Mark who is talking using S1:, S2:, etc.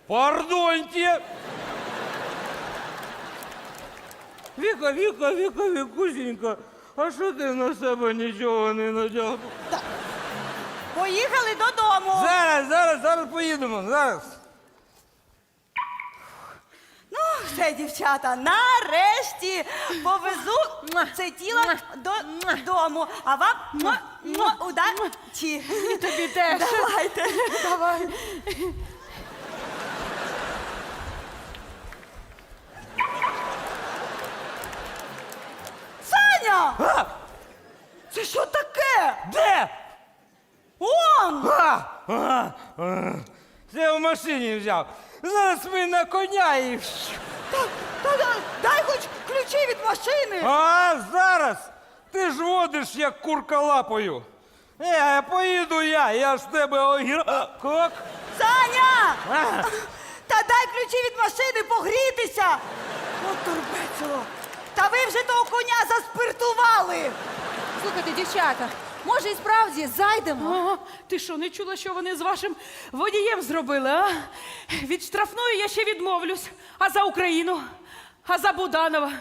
S1: Пардоньте! Вікусенька, а що ти на себе нічого не надягла?
S2: Поїхали додому.
S1: Зараз поїдемо, зараз.
S2: Ну, все, дівчата, нарешті повезу це тіло додому. А вам удачі.
S3: І тобі теж.
S2: Давайте.
S3: Давай.
S2: Саня!
S1: А!
S2: Це що таке?
S1: Де?
S2: Он!
S1: Це в машині взяв. Зараз ми на коня і...
S2: Дай хоч ключі від машини.
S1: А зараз? Ти ж водиш, як курка лапою. Поїду я ж тебе огірок.
S2: Саня!
S1: А!
S2: Та дай ключі від машини погрітися! От турбецело! Та ви вже того коня заспиртували!
S3: Слухайте, дівчата, може і справді зайдемо?
S4: Ага. Ти що, не чула, що вони з вашим водієм зробили, а? Від штрафної я ще відмовлюсь. А за Україну? А за Буданова?